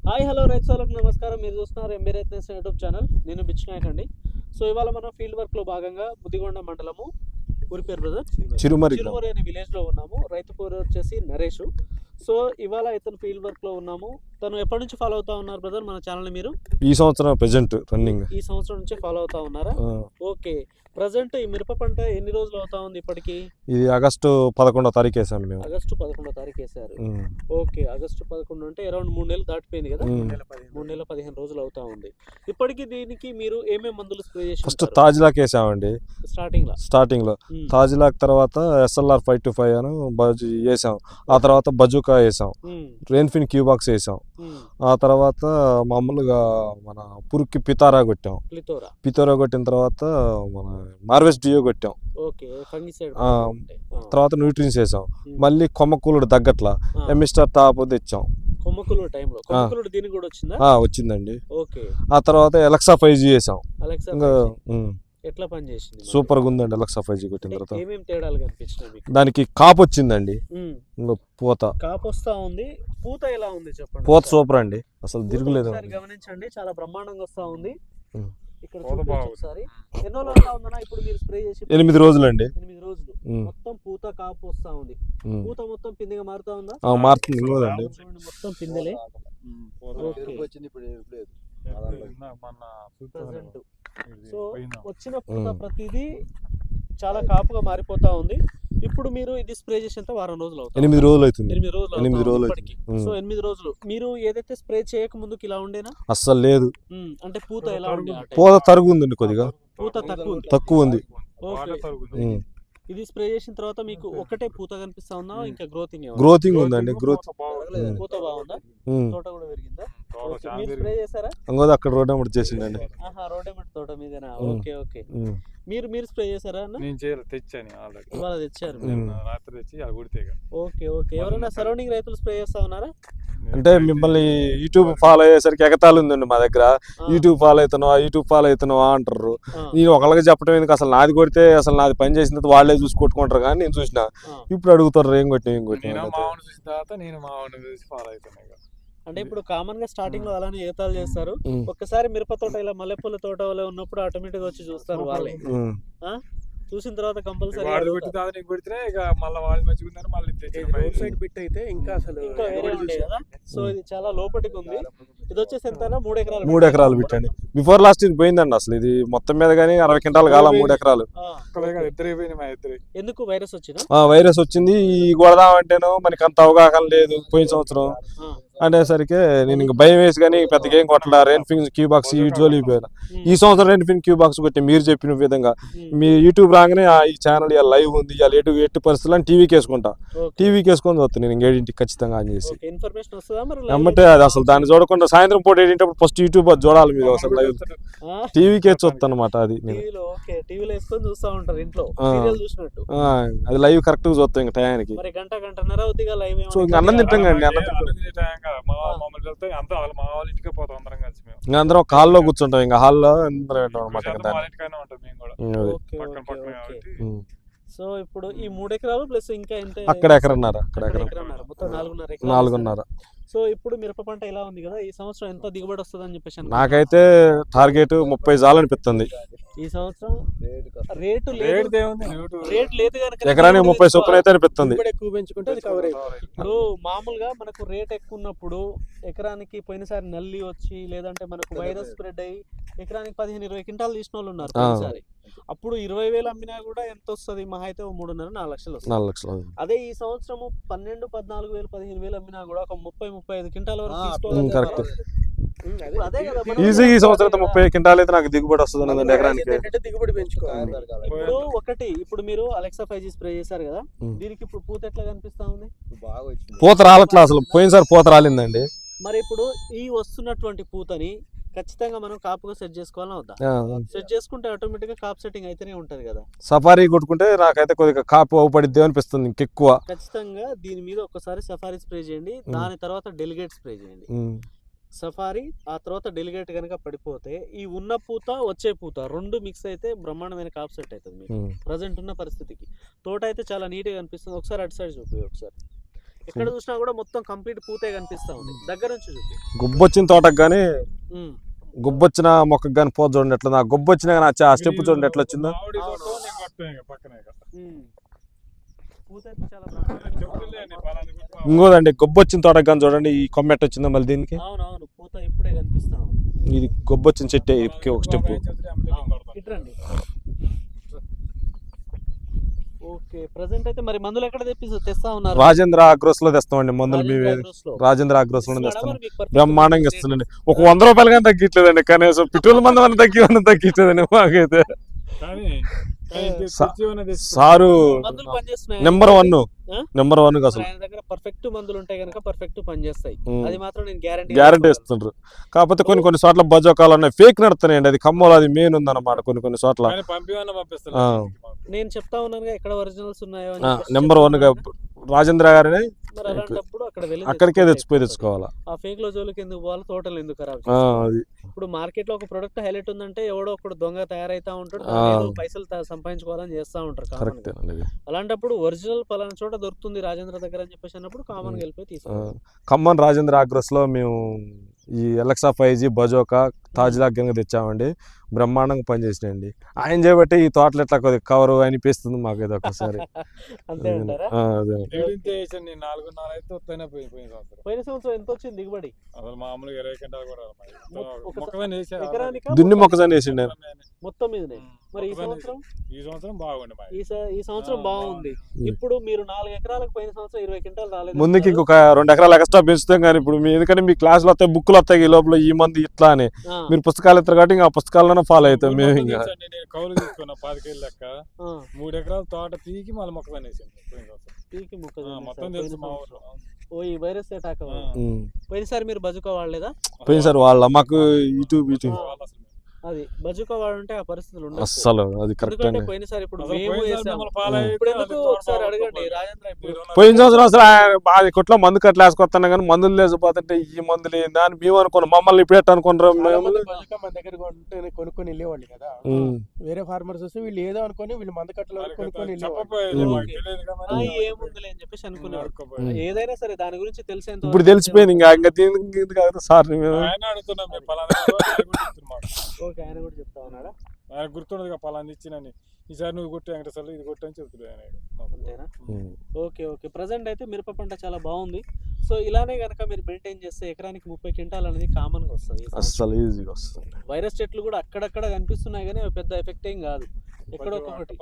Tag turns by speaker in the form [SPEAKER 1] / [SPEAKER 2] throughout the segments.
[SPEAKER 1] Hi hello రైతు సోదరులకు నమస్కారం. మీరు చూస్తున్నారు ఎంబీ రైతు యూట్యూబ్ ఛానల్. నేను బిచ్ నాయక్ అండి. సో ఇవాళ మనం ఫీల్డ్ వర్క్లో భాగంగా బుద్దిగొండ మండలము ఊరి పేరు బ్రదర్ చిరుమరి అనే విలేజ్లో ఉన్నాము. రైతు పేరు వచ్చేసి నరేష్. సో ఇవాళ ఇతను ఫీల్డ్ వర్క్లో ఉన్నాము. తను ఎప్పటి నుంచి ఫాలో అవుతా ఉన్నారు బ్రదర్ మన ఛానల్ని? మీరు
[SPEAKER 2] ఈ సంవత్సరం ప్రెజెంట్ రన్నింగ్
[SPEAKER 1] ఈ సంవత్సరం నుంచి ఫాలో అవుతా ఉన్నారా? ఓకే. ప్రజెంట్ ఈ మిరప పంట ఎన్ని రోజులు అవుతా ఉంది ఇప్పటికి?
[SPEAKER 2] ఇది ఆగస్టు 11వ తారీఖు వేసాం మేము.
[SPEAKER 1] ఆగస్టు 11వ తారీఖు వేసారు. ఓకే, ఆగస్టు 11 అంటే అరౌండ్ 3 నెలలు దాటిపోయింది కదా. 3 నెలల 15 రోజులు అవుతా ఉంది. ఇప్పటికి దీనికి మీరు ఏమేమి మందులు స్ప్రే చేసి?
[SPEAKER 2] ఫస్ట్ తాజ్లాక్ వేసామండి స్టార్టింగ్ లో. తాజ్లాక్ తర్వాత SLR 525 అని వేసాం. ఆ తర్వాత బజూకా వేసాం. రెయిన్ఫిన్ క్యూబాక్స్ వేసాం. ఆ తర్వాత మామూలుగా మన పురుక్కి పితారా కొట్టాం. పితోరా కొట్టిన తర్వాత మన మార్వెస్ డియో కొట్టాం. తర్వాత న్యూట్రియన్స్ వేసాం. మళ్ళీ కొమ్మకూలుడు తగ్గట్లా ఎమిస్టర్ టాప్ తెచ్చాం. వచ్చిందండి. ఆ తర్వాత ఎలక్సా 5G వేసాం.
[SPEAKER 1] ఎట్లా పనిచేసింది?
[SPEAKER 2] సూపర్ గా ఉందండి. ఎలక్సా 5G కొట్టిన తర్వాత
[SPEAKER 1] ఏమేం తేడాలు కనిపించినాయి?
[SPEAKER 2] దానికి కాపు వచ్చిందండి. పూత
[SPEAKER 1] కాపు వస్తా ఉంది. పూత ఎలా ఉంది చెప్పండి?
[SPEAKER 2] పూత సూపర్ అండి, అసలు తిరుగులేదు.
[SPEAKER 1] గమనించండి, చాలా బ్రహ్మాండంగా వస్తా ఉంది. ఇక్కడ ఒకసారి ఎన్నో రోజులు ఉందన్నా ఇప్పుడు మీరు స్ప్రే చేసి?
[SPEAKER 2] 8 రోజులు అండి.
[SPEAKER 1] 8 రోజులు మొత్తం పూత కాపు వస్తా ఉంది. పూత మొత్తం పిందెగా మారుతా ఉందా?
[SPEAKER 2] మారుతుంది.
[SPEAKER 1] మొత్తం పిందెలే. సో వచ్చిన పూత ప్రతిదీ చాలా కాపుగా మారిపోతా ఉంది. ఇప్పుడు మీరు ఇది స్ప్రే చేసేంత వారం రోజులు అవుతుంది.
[SPEAKER 2] 8 రోజులు అవుతుంది.
[SPEAKER 1] 8 రోజులు. సో 8 రోజులు మీరు ఏదైతే స్ప్రే చేయక ముందుకు ఇలా ఉండేనా?
[SPEAKER 2] అస్సలు లేదు.
[SPEAKER 1] అంటే పూత ఎలా ఉంది?
[SPEAKER 2] పూత తరుగు ఉందండి, కొద్దిగా
[SPEAKER 1] పూత
[SPEAKER 2] తక్కువ ఉంది.
[SPEAKER 1] ఇది స్ప్రే చేసిన తర్వాత మీకు ఒకటే పూత కనిపిస్తా ఉందా? ఇంకా
[SPEAKER 2] గ్రోతింగ్ ఉందండి.
[SPEAKER 1] పూత బాగుందా? తోట కూడా పెరిగిందా? మీరు స్ప్రే చేశారా?
[SPEAKER 2] అక్కడ రోడ్ ఎమ్మటి చేసిందండి.
[SPEAKER 1] రోడ్ ఎమ్మటి తోట మీదేనా? Okay okay. మీరు స్ప్రే చేశారా?
[SPEAKER 3] నేను చేయాలి, తెచ్చాను ఆల్రెడీ.
[SPEAKER 1] ఇవాళ తెచ్చారు?
[SPEAKER 3] రాత్రి తెచ్చి అది కొడితే.
[SPEAKER 1] Okay okay. ఎవరైనా సరౌండింగ్ రైతులు స్ప్రే చేస్తా ఉన్నారా?
[SPEAKER 2] అంటే మిమ్మల్ని యూట్యూబ్ ఫాలో అయ్యేసరికి ఎగతాళి ఉందండి మా దగ్గర. యూట్యూబ్ ఫాలో అవుతున్నావా అంటారు. నేను ఒకళ్ళకి చెప్పడం ఎందుకు, అసలు నాది కొడితే అసలు నాది పని చేసిన తర్వాత వాళ్ళే చూసి కొట్టుకుంటారు. కానీ నేను చూసిన ఇప్పుడు అడుగుతారు ఏం కొట్టినా
[SPEAKER 1] అంటే ఇప్పుడు కామన్ గా స్టార్టింగ్ లో అలానే ఏతాలు చేస్తారు. ఒక్కసారి మిరప తోట ఇలా మల్లెపూల తోట వల్ల ఉన్నప్పుడు ఆటోమేటిక్ వచ్చి చూస్తారు వాళ్ళే. చూసిన తర్వాత కంపల్సరీ సో ఇది చాలా లోపలికి ఉంది. ఇది వచ్చేసి ఎంత? 3
[SPEAKER 2] ఎకరాలు పెట్టండి. బిఫోర్ లాస్ట్ ఇది పోయిందండి అసలు. ఇది మొత్తం మీద కానీ 60 క్వింటాలు కాల 3 ఎకరాలు.
[SPEAKER 1] ఎందుకు? వైరస్ వచ్చింది.
[SPEAKER 2] వైరస్ వచ్చింది. ఈ కొడదామంటేనో మనకి అంత అవగాహన లేదు. పోయిన సంవత్సరం అనేసరికి నేను ఇంకా భయం వేసి కానీ పెద్దగా ఏం కొట్టలా. రెయిన్ఫిన్ క్యూబాక్స్ ఈ జోలికి పోయినా. ఈ సంవత్సరం రెయిన్ఫిన్ క్యూబాక్స్ కొట్టి మీరు చెప్పిన విధంగా మీ యూట్యూబ్ రాగానే ఈ ఛానల్ ఇలా లైవ్ ఉంది, ఇలా ఎటు పరిస్థితులు టీవీకి వేసుకుంటా. టీవీకి వేసుకొని వస్తాను నేను 7ంటికి ఖచ్చితంగా ఆన్ చేసి. అమ్మటే అది అసలు దాన్ని చూడకుండా సాయంత్రం పూట 7 ఫస్ట్ యూట్యూబ్ చూడాలి మీరు. అసలు లైవ్ టీవీకి వేసి వస్తాను అనమాట. అది అది లైవ్ కరెక్ట్ గా చూస్తాం ఇంకా టయానికి. అన్నం తింటాం కండి. అందరం హాల్లో కూర్చుంటాం. ఇంకా హాల్లో అనమాట.
[SPEAKER 1] సో ఇప్పుడు ఈ 3 ఎకరాలు ప్లస్ ఇంకా ఎంత?
[SPEAKER 2] అక్కడ ఎకరన్నర.
[SPEAKER 1] మొత్తం
[SPEAKER 2] 4.5.
[SPEAKER 1] సో ఇప్పుడు మిరప పంట ఎలా ఉంది కదా, ఈ సంవత్సరం ఎంత దిగుబడి వస్తుంది అని చెప్పేసి?
[SPEAKER 2] నాకైతే టార్గెట్ 30 చాలనిపిస్తుంది.
[SPEAKER 1] ఈ సంవత్సరం రేటు లేదు కనుక
[SPEAKER 2] ఎకరానికి 30 చొప్పున అయితే అనిపిస్తుంది.
[SPEAKER 1] ఇప్పుడు మామూలుగా మనకు రేట్ ఎక్కువ ఉన్నప్పుడు ఎకరానికి పోయినసారి నల్లి వచ్చి లేదంటే మనకు వైరస్ స్ప్రెడ్ అయ్యి ఎకరానికి 15-20 క్వింటాలు తీసిన వాళ్ళు ఉన్నారు పోయినసారి. అప్పుడు 20,000 అమ్మినా కూడా ఎంత వస్తుంది? మహా అయితే 3.5-4 లక్షలు వస్తుంది. అదే ఈ సంవత్సరం 12,000-14,000 15,000 అమ్మినా కూడా ఒక 30-35 క్వింటాల వరకు తీసుకోవాలి.
[SPEAKER 2] కరెక్ట్. ఈజీ ఈ సంవత్సరం 30 క్వింటాల్ అయితే నాకు దిగుబడి వస్తుంది ఎకరానికి.
[SPEAKER 1] దిగుబడి పెంచుకోవాలి. ఇప్పుడు మీరు అలెక్సా 5G స్ప్రే చేశారు కదా, దీనికి ఇప్పుడు పూత ఎట్లా కనిపిస్తా ఉంది?
[SPEAKER 2] పూత రాలట్లా అసలు. పోయినసారి పూత రాలిందండి.
[SPEAKER 1] మరి ఇప్పుడు ఈ వస్తున్నటువంటి పూతని ఖచ్చితంగా మనం కాపుగా సెట్ చేసుకోవాలని వద్దా? సెట్ చేసుకుంటే ఆటోమేటిక్ గా కాప్ సెట్టింగ్ అయితేనే ఉంటది కదా.
[SPEAKER 2] సఫారీ కొట్టుకుంటే నాకైతే కొద్దిగా కాపు అవుపడిద్ది అనిపిస్తుంది ఇంకెక్కువ.
[SPEAKER 1] ఖచ్చితంగా దీని మీద ఒకసారి సఫారీ స్ప్రే చేయండి, దాని తర్వాత డెలిగేట్ స్ప్రే చేయండి. సఫారీ ఆ తర్వాత డెలిగేట్ కనుక పడిపోతే ఈ ఉన్న పూత వచ్చే పూత 2 మిక్స్ అయితే బ్రహ్మాండమైన కాప్ సెట్ అవుతుంది మీకు ప్రజెంట్ ఉన్న పరిస్థితికి. తోట అయితే చాలా నీట్గా అనిపిస్తుంది. ఒకసారి అటు సైడ్ చూపి. ఒకసారి ఎక్కడ చూసినా కూడా మొత్తం కంప్లీట్ పూతే కనిపిస్తా ఉంది. దగ్గర నుంచి చూపి.
[SPEAKER 2] గుబ్బొచ్చిన తోటకు కానీ
[SPEAKER 1] ఉమ్.
[SPEAKER 2] గుబ్బొచ్చిన మొక్కకు కానీ పోత చూడండి ఎట్లా, ఆ గుబ్బొచ్చిన కానీ ఆ స్టెప్ చూడండి ఎట్లా వచ్చిందో.
[SPEAKER 1] ఉమ్. పూత అయితే చాలా బ్రహ్మాండంగా ఉంది.
[SPEAKER 2] ఇంకోదండి గొబ్బొచ్చిన తోటకు కానీ చూడండి ఈ కొమ్మ ఎట్ట వచ్చిందో మళ్ళీ దీనికి.
[SPEAKER 1] అవునవును, పూత ఇప్పుడే కనిపిస్తా ఉంది.
[SPEAKER 2] ఇది గొబ్బొచ్చిన చెట్టే ఒక స్టెప్.
[SPEAKER 1] ఇట్రండి. ఓకే, ప్రెసెంట్ అయితే మరి మందులు ఎక్కడ తెస్తా ఉన్నారు?
[SPEAKER 2] రాజేంద్ర అగ్రోస్ లో తెస్తామండి మందులు. మేమే రాజేంద్ర అగ్రోస్ లో తెస్తాం. బ్రహ్మాండంగా ఇస్తుందండి. ఒక 100 రూపాయలు కానీ తగ్గించలేదండి కనీసం. పెట్రోల్ మందు అని తగ్గించలేదండి మాకైతే. సారు నెంబర్ 1 అసలు
[SPEAKER 1] ఆయన దగ్గర పర్ఫెక్ట్ మందులు ఉంటాయి కనుక పర్ఫెక్ట్ పని చేస్తాయి. అది మాత్రం నేను
[SPEAKER 2] గ్యారంటీ ఇస్తుండ్రు. కాకపోతే కొన్ని చోట్ల బజోకాలు ఉన్నాయి, ఫేక్ నడుతున్నాయండి. అది ఖమ్మంలో అది మెయిన్ ఉందన్నమాట. కొన్ని చోట్ల
[SPEAKER 1] నేను చెప్తా ఉన్నాను ఎక్కడ ఒరిజినల్స్ ఉన్నాయో.
[SPEAKER 2] నెంబర్ 1 గా రాజేంద్ర గారిని
[SPEAKER 1] మరి అలాంటప్పుడు
[SPEAKER 2] అక్కడికే తెచ్చుకోవాలా.
[SPEAKER 1] ఆ ఫేక్ లో జోలికి ఎందుకు పోవాలి, తోటలు ఎందుకు ఖరాబ్? ఇప్పుడు మార్కెట్ లో ఒక ప్రొడక్ట్ హైలైట్ ఉందంటే ఎవడో ఒకడు దొంగ తయారైతా ఉంటాడు, పైసలు సంపాదించుకోవాలని చేస్తా ఉంటారు. అలాంటప్పుడు ఒరిజినల్ పలానా చోట దొరుకుతుంది రాజేంద్ర దగ్గర అని చెప్పేసి అన్నప్పుడు కామన్ గా వెళ్ళిపోయి తీసుకోవాలి.
[SPEAKER 2] ఖమ్మం రాజేంద్ర అగ్రోస్ లో మేము ఈ ఎలక్సా 5G బజోకా తాజ్లాక్ కింద తెచ్చామండి. బ్రహ్మాండంగా పనిచేసినాయండి. ఆయన చేయబట్టి ఈ తోటలు ఎట్లా కొద్దిగా కవర్ అనిపిస్తుంది మాకు ఏదో ఒకసారి.
[SPEAKER 1] పోయిన సంవత్సరం ఎంత వచ్చింది దిగుబడి?
[SPEAKER 2] దున్ని మొక్కజొన్న వేసిండే
[SPEAKER 1] మొత్తం మీదనే. మరి ఈ సంవత్సరం బాగుంది. ఈ సంవత్సరం బాగుంది. ఇప్పుడు మీరు 4 ఎకరాలకు పోయిన సంవత్సరం 20 క్వింటాలు రాలేదు.
[SPEAKER 2] ముందుకి ఇంకొక 2 ఎకరాలు ఎక్స్ట్రా పెంచుతాం. కానీ ఇప్పుడు ఎందుకంటే మీ క్లాసులు వస్తాయి, బుక్లు వస్తాయి, ఈ లోపల ఈ మంది ఇట్లా అని మీరు పుస్తకాలు ఇస్తారు కాబట్టి ఇంకా పుస్తకాలను ఫాలో అవుతాం మేము. ఇంకా
[SPEAKER 3] కౌలు తీసుకున్నా 5 కేజీల లెక్క 3 ఎకరాల తోట పీకి మళ్ళీ మొక్కజొన్న
[SPEAKER 1] ఓ ఈ వైరస్ అటాక్. పోయినసారి మీరు బజుకా వాడలేదా?
[SPEAKER 2] పోయినసారి వాళ్ళ మాకు ఇటు
[SPEAKER 1] అది బజుకా వాడుంటే ఆ పరిస్థితులు ఉండవు
[SPEAKER 2] అస్సలు. అది కరెక్ట్ అండి.
[SPEAKER 1] పోయినసారి ఇప్పుడు ఒకసారి అడగండి రాజేంద్ర.
[SPEAKER 2] పోయిన సంవత్సరం అసలు అది కొట్లో మందు కట్ల వేసుకొస్తాను కానీ మందులు లేకపోతుంటే ఈ మందులు ఏందా అని మేము అనుకున్నాం. మమ్మల్ని ఇప్పుడు ఎట్లా అనుకున్నారు?
[SPEAKER 4] మన దగ్గర కొనుక్కొని వెళ్ళేవాళ్ళు కదా, వేరే ఫార్మర్స్ వస్తే వీళ్ళు ఏదో అనుకుని వీళ్ళు మందు కట్టలు కొనుక్కొని
[SPEAKER 1] ఏముందిలే అని చెప్పేసి అనుకున్నారు. ఏదైనా సరే దాని గురించి తెలిసేంత
[SPEAKER 2] ఇప్పుడు తెలిసిపోయింది. ఇంకా దీనికి సార్
[SPEAKER 1] ఓకే, ఆయన కూడా చెప్తా ఉన్నాడా?
[SPEAKER 3] ఆయన గుర్తుండదు పలాంది ఇచ్చినని, ఈసారి నువ్వు కొట్టు వెంకటేశ్వర్లు ఇది కొట్టు అని చెప్తున్నాడు ఆయన.
[SPEAKER 1] అంతేనా? Okay okay. ప్రజెంట్ అయితే మిరప పంట చాలా బాగుంది. సో ఇలానే కనుక మీరు మెయింటైన్ చేస్తే ఎకరానికి 30 క్వింటాల్ అనేది కామన్ గా వస్తుంది.
[SPEAKER 2] అసలు ఈజీగా వస్తుంది.
[SPEAKER 1] వైరస్ చెట్లు కూడా అక్కడక్కడ కనిపిస్తున్నాయి కానీ పెద్ద ఎఫెక్ట్ ఏం కాదు. ఎక్కడో ఒకటి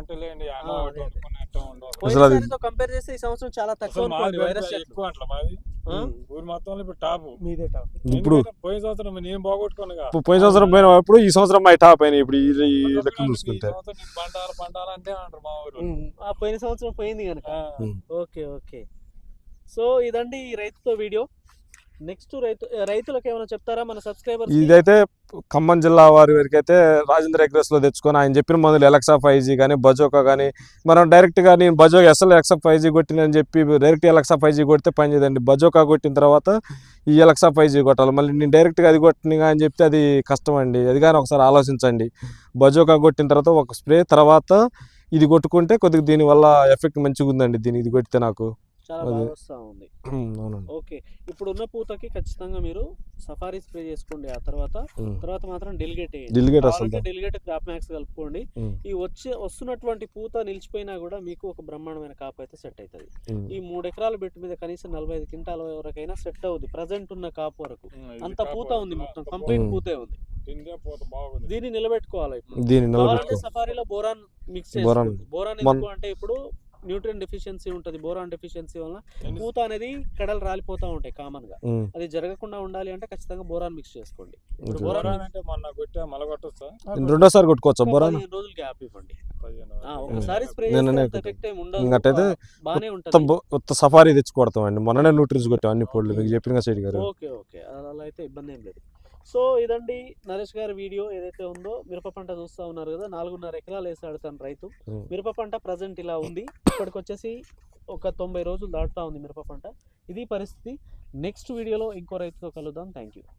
[SPEAKER 1] కంపేర్ చేస్తే ఈ సంవత్సరం చాలా తక్కువ వైరస్ చెట్లు.
[SPEAKER 3] ఊరు మొత్తంలో ఇప్పుడు టాప్
[SPEAKER 4] మీదే టాప్.
[SPEAKER 2] ఇప్పుడు
[SPEAKER 3] పోయిన సంవత్సరం నేను బాగొట్టుకున్నా,
[SPEAKER 2] పోయిన సంవత్సరం పోయిన ఇప్పుడు ఈ సంవత్సరం మా టాప్ అయినా. ఇప్పుడు ఈ లెక్క చూసుకుంటే
[SPEAKER 3] పంటాలంటే అంటారు మా ఊరు.
[SPEAKER 1] పోయిన సంవత్సరం పోయింది కనుక. Okay okay. సో ఇదండి ఈ రైతుతో వీడియో. నెక్స్ట్ రైతులకు ఏమైనా చెప్తారా మన సబ్స్క్రైబర్స్?
[SPEAKER 2] ఇదైతే ఖమ్మం జిల్లా వారి వరకు అయితే రాజేంద్ర అగ్రోస్ లో తెచ్చుకొని ఆయన చెప్పిన మందులు ఎలక్సా 5G కానీ బజోకా కానీ మనం డైరెక్ట్ గా నేను బజోకా ఎలక్సా 5G కొట్టినని చెప్పి డైరెక్ట్ ఎలక్సా 5G కొడితే పని చేయదండి. బజోకా కొట్టిన తర్వాత ఈ ఎలక్సా 5G కొట్టాలి. మళ్ళీ నేను డైరెక్ట్ గా అది కొట్టిన అని చెప్తే అది కష్టం అండి. అది కానీ ఒకసారి ఆలోచించండి. బజోకా కొట్టిన తర్వాత ఒక స్ప్రే తర్వాత ఇది కొట్టుకుంటే కొద్దిగా దీనివల్ల ఎఫెక్ట్ మంచిగా ఉందండి. ఇది కొట్టితే నాకు
[SPEAKER 1] చాలా బాగా వస్తూ ఉంది. ఓకే, ఇప్పుడు ఉన్న పూతకి ఖచ్చితంగా మీరు సఫారీ స్ప్రే చేసుకోండి. ఆ తర్వాత మాత్రం డెలిగేట్ క్రాప్ మ్యాక్స్ కలుపుకోండి. ఈ వస్తున్నటువంటి పూత నిలిచిపోయినా కూడా మీకు ఒక బ్రహ్మాండమైన కాపు అయితే సెట్ అవుతుంది. ఈ 3 ఎకరాల బెట్టు మీద కనీసం 45 క్వింటాల వరకైనా సెట్ అవుతుంది. ప్రజెంట్ ఉన్న కాపు వరకు అంత పూత ఉంది, మొత్తం కంప్లీట్ పూతే ఉంది. దీన్ని నిలబెట్టుకోవాలి. ఇప్పుడు సఫారీలో బోరాన్ మిక్స్ చేసుకోండి. బోరాన్ ఎందుకు అంటే ఇప్పుడు న్యూట్రియన్ డెఫిషియన్సీ ఉంటుంది. బోరాన్ డెఫిషియన్సీ వల్ల పూత అనేది కడలు రాలిపోతా ఉంటాయి కామన్ గా. అది జరగకుండా ఉండాలి అంటే ఖచ్చితంగా బోరాన్ మిక్స్ చేసుకోండి.
[SPEAKER 2] రెండోసారి కొట్టుకోవచ్చు. బోరాన్
[SPEAKER 1] 15 రోజులు గ్యాప్ ఇవ్వండి. ఒకసారి స్ప్రే ఎఫెక్ట్ ఏమి ఉండదు, బానే ఉంటుంది.
[SPEAKER 2] సఫారీ తెచ్చి కొడతాం అండి. మొన్ననే న్యూట్రియన్స్ కొట్టాం అన్ని పొడులు మీకు చెప్పిన సైడ్ గారు.
[SPEAKER 1] ఓకే ఓకే, అలా అయితే ఇబ్బంది ఏం లేదు. సో ఇదండి నరేష్ గారి వీడియో ఏదైతే ఉందో. మిరప పంట చూస్తూ ఉన్నారు కదా, 4.5 ఎకరాలు వేసాడు తన రైతు. మిరప పంట ప్రజెంట్ ఇలా ఉంది. ఇప్పటికి వచ్చేసి ఒక 90 రోజులు దాటుతా ఉంది మిరప పంట. ఇది పరిస్థితి. నెక్స్ట్ వీడియోలో ఇంకో రైతుతో కలుద్దాం. Thank you.